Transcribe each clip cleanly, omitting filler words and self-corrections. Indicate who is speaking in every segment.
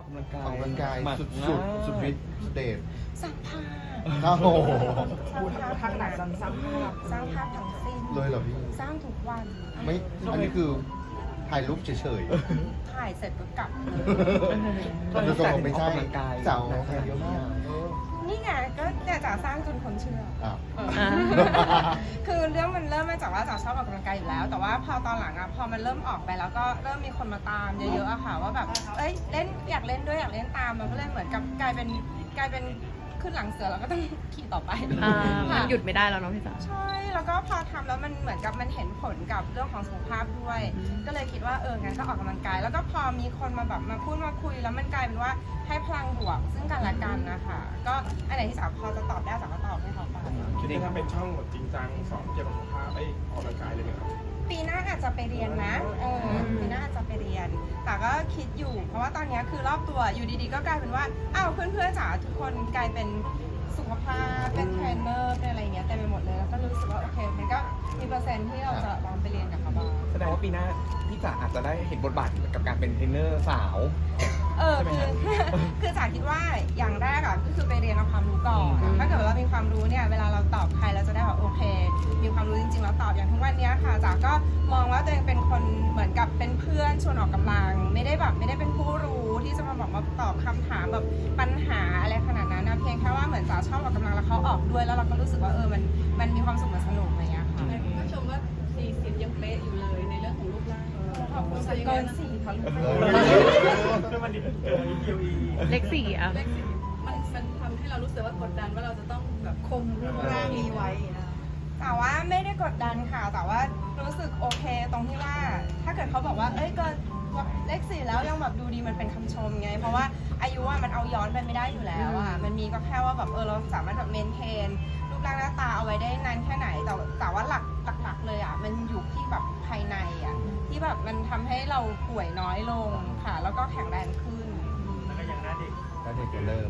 Speaker 1: กำลังกาย
Speaker 2: ออกกำลังกาย
Speaker 1: หมัก
Speaker 2: สุด
Speaker 1: หน้า
Speaker 2: สุดฤทธิ์สุดเดช
Speaker 3: สร้างภาพ
Speaker 2: โอ้โห
Speaker 3: สร้างภาพสร้างภาพสร้างภาพทั้งสิ้น
Speaker 2: เลยเหรอพี่
Speaker 3: สร้างทุกวัน
Speaker 2: ไม่อันนี้คือถ่ายรูปเฉย
Speaker 3: ถ่ายเสร็จก็กลับเลย
Speaker 2: ๆแต่ตัวไม่ใช่
Speaker 1: ออกกำลังกาย
Speaker 2: สาวแทนเยอะมาก
Speaker 3: นี่ไงก็เนี่ยจ๋าสร้างจนคนเชื่อ
Speaker 2: อ้าว
Speaker 3: คือเรื่องมันเริ่มมาจากว่าจ๋าชอบออกกำลังกายอยู่แล้ว แต่ว่าพอตอนหลังอะพอมันเริ่มออกไปแล้วก็เริ่มมีคนมาตามเยอะๆอะค่ะว่าแบบเอ้ยเล่นอยากเล่นด้วยอยากเล่นตามมันก็เลยเหมือนกับกลายเป็นขึ้นหลังเสือแล้วก็ต้องขี่ต่อไป
Speaker 4: มันหยุดไม่ได้แล้วเนาะพี่จ๋า
Speaker 3: ใช่แล้วก็พอทำแล้วมันเหมือนกับมันเห็นผลกับเรื่องของสุขภาพด้วย ก็เลยคิดว่างั้นก็ออกกำลังกาย แล้วก็พอมีคนมาแบบมาพูดมาคุยแล้วมันกลายเป็นว่าให้พลังบวกซึ่งกันและกันนะคะก็อันไหนที่สาวพอจะตอบได้สาวก็ตอบให้เขาไป
Speaker 5: คิดว่าถ้าเป็นช่องแบบจริงจังสอนเกี่ยวกับสุขภาพออกกำลังกายเลยไหมครับ
Speaker 3: ปีหน้าอาจจะไปเรียนนะปีหน้าอาจจะไปเรียน แต่ก็คิดอยู่ เพราะว่าตอนนี้คือรอบตัวอยู่ดีๆก็กลายเป็นว่าอ้าวเพื่อนๆจ๋าทุกคนกลายเป็นสุขภาพเป็นเทรนเนอร์เป็นอะไรอย่างเงี้ยเต็มไปหมดเลยแล้วก็รู้สึกว่าโอเคมันก็มีเปอร์เซ็นต์ที่เราจะลองไปเรียนกับเขาบ้าง
Speaker 1: แสดงว่าปีหน้าพี่จ๋าอาจจะได้เห็นบทบาทกับการเป็นเทรนเนอร์สาว
Speaker 3: คือจ๋าคิดว่าอย่างแรกก็คือไปเรียนเอาความรู้ก่อนถ้าเกิดว่ามีความรู้เนี่ยเวลาเราตอบใครเราจะได้แบบโอเค มีความรู้จริงๆแล้วตอบอย่างทุกวันนี้ค่ะจ๋าก็มองว่าตัวเองเป็นคนเหมือนกับเป็นเพื่อนชวนออกกำลังไม่ได้เป็นผู้รู้ที่จะมาบอกมาตอบคำถามแบบปัญหาอะไรขนาดนั้นนะเพียงแค่ว่าเหมือนจ๋าชอบออกกำลังแล้วเขาออกด้วยแล้วเราก็รู้สึกว่ามันมีความสุขมันสนุกอะไรอย่างเงี้ยค่ะ
Speaker 6: ก็ชมว่า40ยังเป๊ะอยู่เลยในเรื่องของรูปร่าง
Speaker 3: ขอบคุณเกิน4ทะลุไป
Speaker 5: วันนี้QE
Speaker 4: เลขสี่อ่ะ
Speaker 6: เลขสี่มันทำให้เรารู้สึกว่ากดดันว่าเราจะต้องแบบคงรูปร่างนี้ไว้นะ
Speaker 3: แต่ว่าไม่ได้กดดันค่ะ แต่ว่ารู้สึกโอเคตรงที่ว่า ถ้าเกิดเขาบอกว่าเกินเลข4แล้วยังแบบดูดีมันเป็นคำชมไง เพราะว่าอายุมันเอาย้อนไปไม่ได้อยู่แล้วมันมีก็แค่ว่าแบบเราสามารถแบบเมนเทนรูปร่างหน้าตาเอาไว้ได้นานแค่ไหน แต่ว่าหลักเลยมันอยู่ที่แบบภายในที่แบบมันทำให้เราป่วยน้อยลงค่ะ แล้วก็แข็งแรงขึ้น
Speaker 5: แล้วก็ยังหน้าเด็ก
Speaker 2: แล้วเด็กจะเริ่ม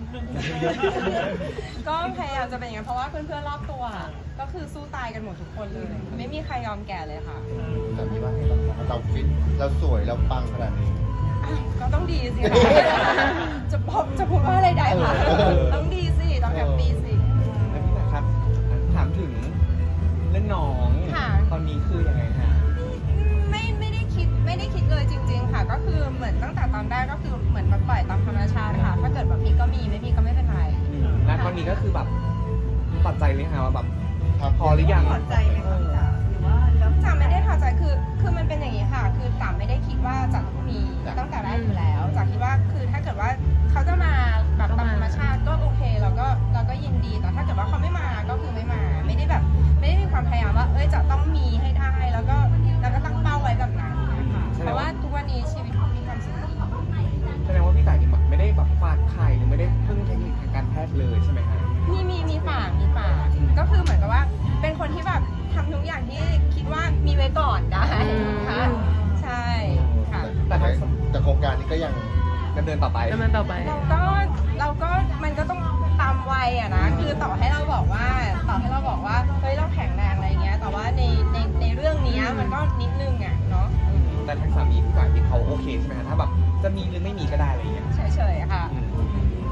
Speaker 3: ก็พยายามจะเป็นอย่างนั้นเพราะว่าเพื่อนๆรอบตัวก็คือสู้ตายกันหมดทุกคนเลย ไม่มีใครยอมแก่เลยค่ะ
Speaker 2: แต่พี่ว่าเราฟิตเราสวยเราปังขนาดนี้
Speaker 3: ก็ต้องดีสิคะจะพูดว่าอะไรได้คะต้องดีสิต้องแฮปปี้สิ
Speaker 1: แล้วพี่จ๋าครับถามถึงเรื่องน้อง
Speaker 3: ค่ะ
Speaker 1: ตอนนี้คือยังไงฮะ
Speaker 3: ไม่ได้คิดเลยจริง ๆ ค่ะ ก็คือเหมือนตั้งแต่ตอนแรกก็คือเหมือนมาปล่อยตามธรรมชาติค่ะ ถ้าเกิดแบบมีก็มีไม่มีก็ไม่เป็นไร
Speaker 1: และตอนนี้ก็คือแบบตัดใจเลยค่ะว่าแบบพอหรือยัง
Speaker 6: ถอดใจไหมคะจ๋าหรือว่าแล้ว
Speaker 3: จ๋าไม่ได้ถอดใจคือมันเป็นอย่างนี้ค่ะ คือจ๋าไม่ได้คิดว่าจะต้องมีตั้งแต่แรกอยู่แล้วจ๋าคิดว่าคือถ้าเกิดว่าเขาจะมาแบบตามธรรมชาติก็โอเคเราก็ยินดีแต่ถ้าเกิดว่าเขาไม่มาก็คือไม่มาไม่ได้มีความพยายามว่าจะต้องมีให้ได้แล้วก็ตั้งเป้าไว้แบบนั้นนะคะเพราะว่าทุกวันนี้ชีวิตมีความสุขดี
Speaker 1: แสดงว่าพี่จ๋านี่ไม่ได้แบบฝากไข่หรือไม่ได้พึ่งเทคนิคทางการแพทย์เลยใช่ไหมฮะ
Speaker 3: มีฝากก็คือเหมือนกับว่าเป็นคนที่แบบทำทุกอย่างที่คิดว่ามีไว้ก่อนได้ค่ะใช่ค่ะ
Speaker 2: แต่โครงการนี้ก็ยัง
Speaker 1: ดำเนินต่อไป
Speaker 4: ดำเนินต่อไป
Speaker 3: เราก็มันก็ต้องตามวัยนะคือต่อให้เราบอกว่าเฮ้ยเราแข็งแรงอะไรเงี้ยแต่ว่าในเรื่องนี้มันก็นิดนึงเนาะ
Speaker 1: แต่ทางสามีพี่จ๋าที่เขาโอเคใช่ไหมฮะถ้าแบบจะมีหรือไม่มีก็ได้อะไรอย่างเงี้ย
Speaker 3: เฉยๆค่ะ
Speaker 1: อืม